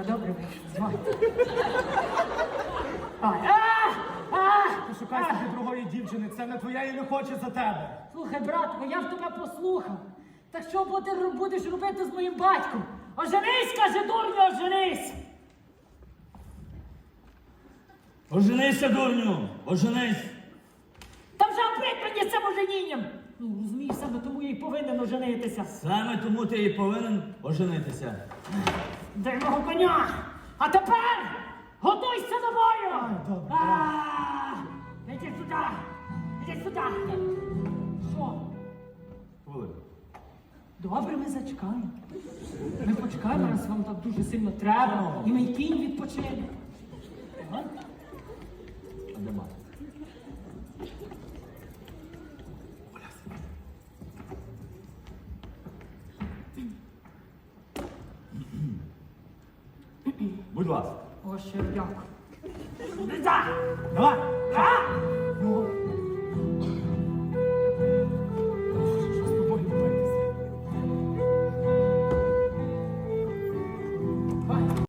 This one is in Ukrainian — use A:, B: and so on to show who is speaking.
A: Я добре вийшов. Звай.
B: Пошукай собі другої дівчини, це не твоя і не хоче за тебе.
A: Слухай, братко, я в тебе послухав. Так що будеш робити з моїм батьком? Оженись, каже, дурню, оженись!
C: Оженися, дурню, оженись.
A: Та вже оприть мені з цим оженінням! Ну, розумієш, саме тому я й повинен оженитися.
C: Саме тому ти і повинен оженитися.
A: Дай мого коня! А тепер готуйся до бою!
B: добре.
A: Іди сюди! Іди сюди! Що?
C: Хвилину.
A: Добре, ми зачекаємо. Ми почекаємо, раз вам так дуже сильно треба, і мій кінь відпочине. Ага.
C: А де мати? Будь ласка.
A: О, ще дякую.
B: Давай!
A: Ну,